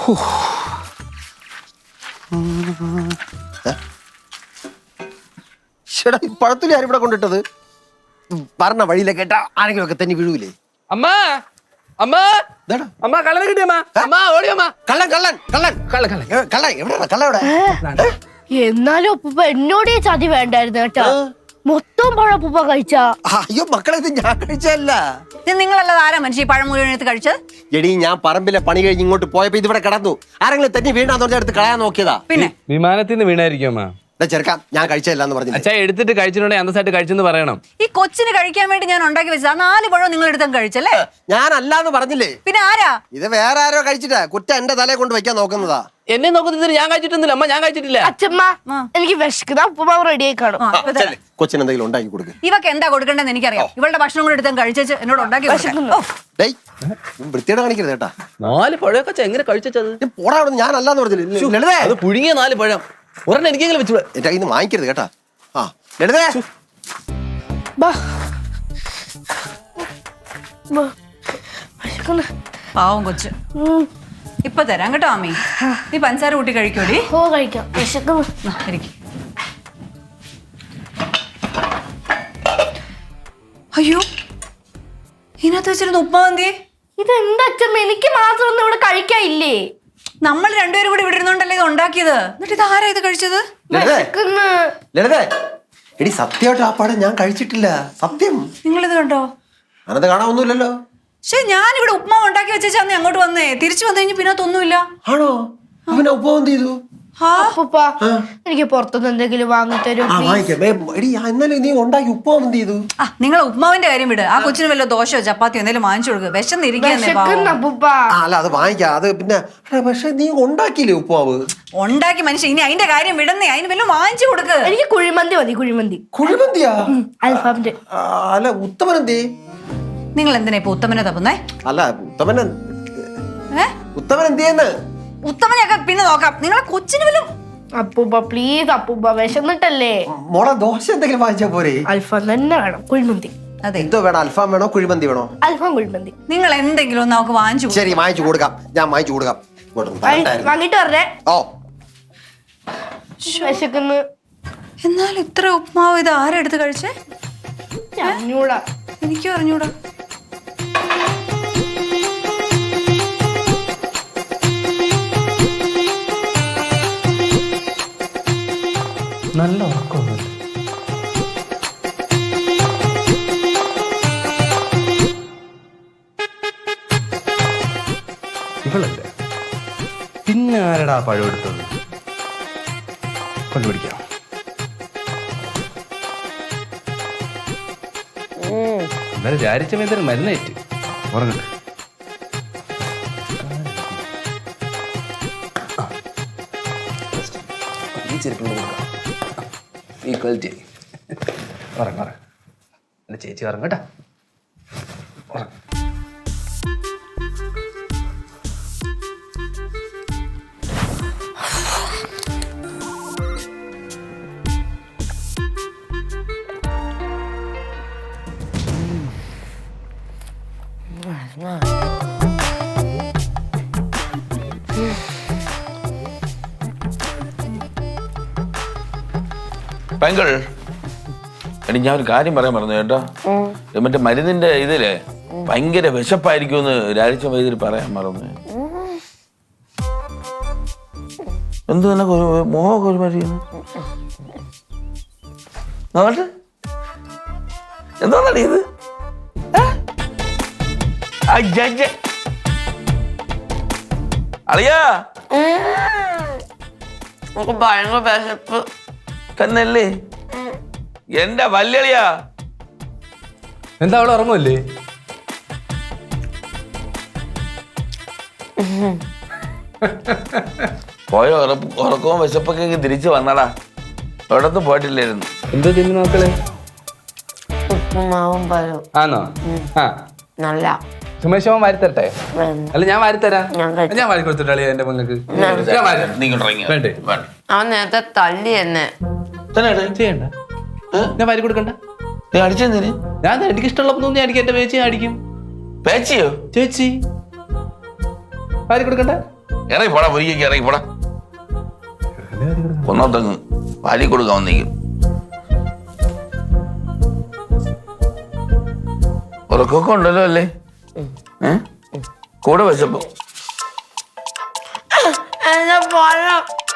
പഴത്തില് ആരും ഇവിടെ കൊണ്ടിട്ടത് പറഞ്ഞ വഴിയിലെ കേട്ടാ ആരെങ്കിലും ഒക്കെ തന്നെ വീഴൂലേ? അമ്മ അമ്മ അമ്മ കള്ളനെ കിട്ടിയമ്മ. അമ്മ ഓടിയമ്മ. കള്ളൻ കള്ളൻ കള്ളൻ കള്ളൻ കള്ളൻ കള്ള എവിടെയാണ്? കള്ള എവിടെ? എന്നാലും അപ്പൂപ്പ എന്നോട് ഈ ചതി വേണ്ടായിരുന്നു കേട്ടോ. മൊത്തം പഴം അപ്പൂപ്പ കഴിച്ച. അയ്യോ മക്കളെ, ഇത് ഞാൻ കഴിച്ചല്ല. ഇത് നിങ്ങളല്ലാതെ ആരാ മനുഷ്യ പഴം മുഴുവൻ എടുത്ത് കഴിച്ചത്? എടീ, ഞാൻ പറമ്പിലെ പണി കഴിഞ്ഞ് ഇങ്ങോട്ട് പോയപ്പോ ഇതിവിടെ കിടന്നു. ആരെങ്കിലും തന്നെ വീണാന്ന് പറഞ്ഞ അടുത്ത് കളയാൻ നോക്കിയതാ. പിന്നെ വിമാനത്തിൽ നിന്ന് വീണായിരിക്കും അമ്മ. ചെറുക്കാം, ഞാൻ കഴിച്ചല്ല എന്ന് പറഞ്ഞു. അച്ഛാ എടുത്തിട്ട് കഴിച്ചിട്ടുണ്ടെങ്കിൽ അന്തസ്സായിട്ട് കഴിച്ചെന്ന് പറയണം. ഈ കൊച്ചിന് കഴിക്കാൻ വേണ്ടി ഞാൻ ഉണ്ടാക്കി വെച്ചത് 4 പഴം നിങ്ങൾ എടുത്തും കഴിച്ചല്ലേ? ഞാൻ അല്ലാന്ന് പറഞ്ഞില്ലേ? പിന്നെ ആരാ ഇത്? വേറെ ആരോ കഴിച്ചിട്ടാ. കുറ്റം എന്റെ തലയെ കൊണ്ട് വെക്കാൻ നോക്കുന്നതാ. എന്നെ നോക്കുന്നത് ഞാൻ കഴിച്ചിട്ടൊന്നുമില്ല അമ്മ. ഞാൻ കഴിച്ചിട്ടില്ല. അച്ഛമ്മ എനിക്ക് വിശക്കുന്ന ഉപ്പുമാവ് റെഡി ആയി കാണും. കൊച്ചിന് എന്തെങ്കിലും ഉണ്ടാക്കി കൊടുക്കുക. ഇവക്ക് എന്താ കൊടുക്കേണ്ടതെന്ന് എനിക്കറിയാം. ഇവളുടെ ഭക്ഷണം കൂടെ എടുത്തും കഴിച്ചു എന്നോട് ഉണ്ടാക്കി വൃത്തിയോടെ കാണിക്കരുത് കേട്ടാ. 4 പഴമൊക്കെ എങ്ങനെ കഴിച്ചത്? പോടാ, ഞാൻ അല്ലാന്ന് പറഞ്ഞില്ലേ? അത് പുഴുങ്ങിയ 4 പഴം ഒരെണ്ണം എനിക്കെങ്കിലും വെച്ചു. എന്റെ കയ്യിൽ നിന്ന് വാങ്ങിക്കരുത് കേട്ടാ. ആ ലളിതേ, പാവം കൊച്ച്. ഇപ്പൊ തരാം കേട്ടോ അമ്മി. നീ പഞ്ചസാര കൂട്ടി കഴിക്കൂടി. ഓ കഴിക്കാം. വിശക്കുന്നു. അയ്യോ, ഇതിനകത്ത് വെച്ചിരുന്ന ഉപ്പുമാവന്തിയെ. ഇതെന്താ അച്ഛമ്മ? എനിക്ക് മാത്രം ഒന്നും ഇവിടെ കഴിക്കാനില്ലേ? നമ്മൾ രണ്ടുപേരും കൂടി ഇവിടെ ഇരുന്നോണ്ടല്ലേ ഇത് ഉണ്ടാക്കിയത്. എന്നിട്ട് ഇത് ആരാ ഇത് കഴിച്ചത്? ലളിതേ, എടി സത്യമായിട്ട് ആ പടം ഞാൻ കഴിച്ചിട്ടില്ല. സത്യം. നിങ്ങളിത് കണ്ടോ? അനത് കാണാനൊന്നുമില്ലല്ലോ. പക്ഷെ ഞാനിവിടെ ഉപ്പുമാവ് ഉണ്ടാക്കി വെച്ചാന്ന് അങ്ങോട്ട് വന്നേ. തിരിച്ചു വന്നു കഴിഞ്ഞ് പിന്നെ ഒന്നുമില്ല. ആണോ? അവനെ ഉപ്പുമാവ് എന്ത് ചെയ്തു? അപ്പൂപ്പ എനിക്ക് പുറത്തുനിന്ന് എന്തെങ്കിലും വാങ്ങിത്തരും. എന്നാലും നീ ഉണ്ടാക്കി ഉപ്പുമാവ് എന്ത് ചെയ്തു? നിങ്ങൾ ഉപ്പുമാവിന്റെ കാര്യം വിട്. ആ കൊച്ചിന് വല്ല ദോശയോ ചപ്പാത്തിയോ എന്തെങ്കിലും വാങ്ങിച്ചു കൊടുക്കുക. അപ്പൂപ്പ അല്ല, അത് വാങ്ങിക്കാം. അത് പിന്നെ പക്ഷെ നീ ഉണ്ടാക്കിയില്ലേ ഉപ്പുമാവ്? ഉണ്ടാക്കി മനുഷ്യ. ഇനി അതിന്റെ കാര്യം വിടുന്നേ. അതിന് വല്ലതും വാങ്ങിച്ചു കൊടുക്കുക. എനിക്ക് കുഴിമന്തി മതി. കുഴിമന്തി. കുഴിമന്തിയാ? അൽഫാമിന്റെ. അല്ല, ഉത്തമൻ എന്തേ? നിങ്ങൾ എന്തിനാ ഇപ്പൊ ഉത്തമനെ തപ്പുന്നേ? അല്ല, ഉത്തമൻ എന്തിയെന്ന്? ഉത്തമനെയൊക്കെ പിന്നെ നോക്കാം. നിങ്ങളെ കൊച്ചിന് വല്ലതും. അപ്പൂപ്പ പ്ലീസ് അപ്പൂപ്പ, വിശന്നിട്ടല്ലേ. മോളെ ദോശ എന്തെങ്കിലും വാങ്ങിച്ചാ പോരെ? അൽഫാം തന്നെ വേണം. കുഴിമന്തി. അതെ, എന്തോ വേണം? അൽഫാം വേണോ കുഴിമന്തി വേണോ? അൽഫാം കുഴിമന്തി. നിങ്ങൾ എന്തെങ്കിലും ഒന്ന് നമുക്ക് വാങ്ങിച്ചു. ശരി, വാങ്ങിച്ചു കൊടുക്കാം. ഞാൻ വാങ്ങിച്ചു കൊടുക്കാം. വാങ്ങിട്ട് പറഞ്ഞേ. ഓ, വിശക്കുന്നു. എന്നാൽ ഇത്ര ഉപ്മാവ് ഇത് ആരെടുത്ത് കഴിച്ചേ? അറിഞ്ഞൂടാ. എനിക്കും അറിഞ്ഞൂടാ. നല്ല ഉറക്കമൊന്നുമില്ല. ഇവളല്ലേ പിന്നെ ആരടാ പഴം എടുത്തത്? കൊണ്ടുപിടിക്കാം. എന്നാലും വിചാരിച്ച മേതൊരു മരുന്നേറ്റ് ഉറങ്ങട്ടെ. ഈ ചെരുപ്പ് കൊടുക്കാം. ഈക്വാലിറ്റി. ഉറങ്ങ എൻ്റെ ചേച്ചി ഉറങ്ങട്ടാ. ഉറങ്ങ. പെങ്കൾ, എടി ഞാൻ ഒരു കാര്യം പറയാൻ പറഞ്ഞു കേട്ടോ. മറ്റേ മരുന്നിന്റെ ഇതിലെ ഭയങ്കര വിശപ്പായിരിക്കുമെന്ന് രാജിച്ച വൈദ്യുതി പറയാൻ മറന്നു. എന്ത് തന്നെ മോഹമൊക്കെ ഒരുമാതിരി എന്താണടി ഇത്? അളിയാ ഭയങ്കര വിശപ്പ് തന്നല്ലേ എന്റെ വല്യളിയാ. എന്താ അവളെ ഉറങ്ങുമല്ലേ? പോയ ഉറക്കവും വിശപ്പൊക്കെ തിരിച്ചു വന്നടാ. എവിടത്തും പോയിട്ടില്ലായിരുന്നു. എന്തോ തിന്നു നോക്കളെ? ഉപ്പുമാവും പഴവും. ആണോ? ആ നല്ല സുമേഷ് വാരിത്തരട്ടെ? അല്ല ഞാൻ വാരിത്തരാം. ഞാൻ വാരി കൊടുത്തിട്ടാ എന്റെ മകൾക്ക്. വേണ്ടേ? അവൻ നേരത്തെ തല്ലി എന്നെ. ചെയ്യണ്ട, ഞാൻ വാരി കൊടുക്കണ്ട. അടിച്ചെന്തിന്? ഞാൻ എനിക്ക് ഇഷ്ടമുള്ളപ്പോ നീ അടിക്കും. എന്റെ പേച്ചി അടിക്കും. പേച്ചിയോ? ചേച്ചി വാരി കൊടുക്കണ്ട. ഇറങ്ങി പോടാ പൊരിക്കൊക്കെ ഇറങ്ങി പോടാ ഒന്നോത്തങ്ങ് വാരി കൊടുക്കാൻ വന്നേക്കും ഉറക്കൊക്കെ ഉണ്ടല്ലോ അല്ലേ കൂടെ വിശപ്പോ എന്റെ പഴം